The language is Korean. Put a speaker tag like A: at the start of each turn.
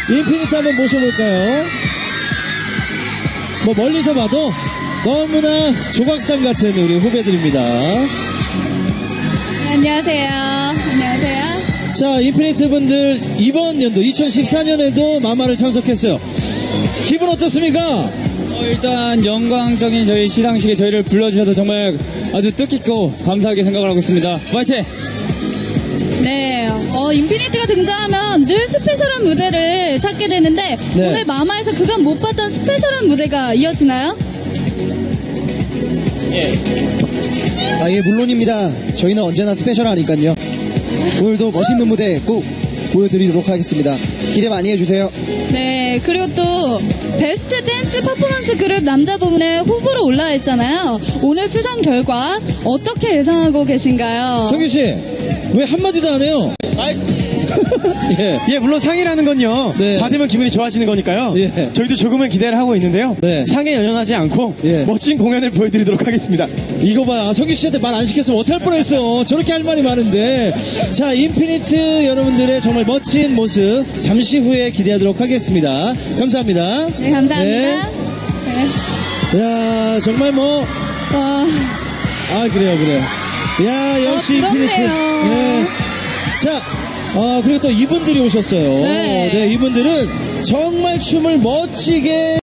A: 인피니트 한번 모셔볼까요? 뭐 멀리서 봐도 너무나 조각상 같은 우리 후배들입니다.
B: 안녕하세요. 안녕하세요.
A: 자, 인피니트 분들 이번 연도 2014년에도 마마를 참석했어요. 기분 어떻습니까?
C: 일단 영광적인 저희 시상식에 저희를 불러주셔서 정말 아주 뜻깊고 감사하게 생각을 하고 있습니다. 화이팅!
B: 네, 인피니트가 등장하면 늘 스페셜한 무대를 찾게 되는데
A: 네.
B: 오늘 마마에서 그간 못 봤던 스페셜한 무대가 이어지나요?
D: 아, 예, 물론입니다. 저희는 언제나 스페셜하니까요. 오늘도 멋있는 무대 꼭 보여드리도록 하겠습니다. 기대 많이 해주세요.
B: 네, 그리고 또 베스트 댄스 퍼포먼스 그룹 남자 부문에 후보로 올라와 있잖아요. 오늘 수상 결과 어떻게 예상하고 계신가요?
A: 성규씨, 왜 한마디도 안 해요? 예.
E: 예, 물론 상이라는 건요.
A: 네.
E: 받으면 기분이 좋아지는 거니까요.
A: 예.
E: 저희도 조금은 기대를 하고 있는데요.
A: 네.
E: 상에 연연하지 않고
A: 예.
E: 멋진 공연을 보여드리도록 하겠습니다.
A: 이거 봐, 성규씨한테 말 안 시켰으면 어떡할 뻔했어. 저렇게 할 말이 많은데. 자, 인피니트 여러분들의 정말 멋진 모습 잠시 후에 기대하도록 하겠습니다. 감사합니다.
B: 네, 감사합니다. 네.
A: 야, 정말 뭐, 그래요. 야, 역시 인피니트.
B: 부럽네요.
A: 네. 자, 그리고 또 이분들이 오셨어요.
B: 네.
A: 네, 이분들은 정말 춤을 멋지게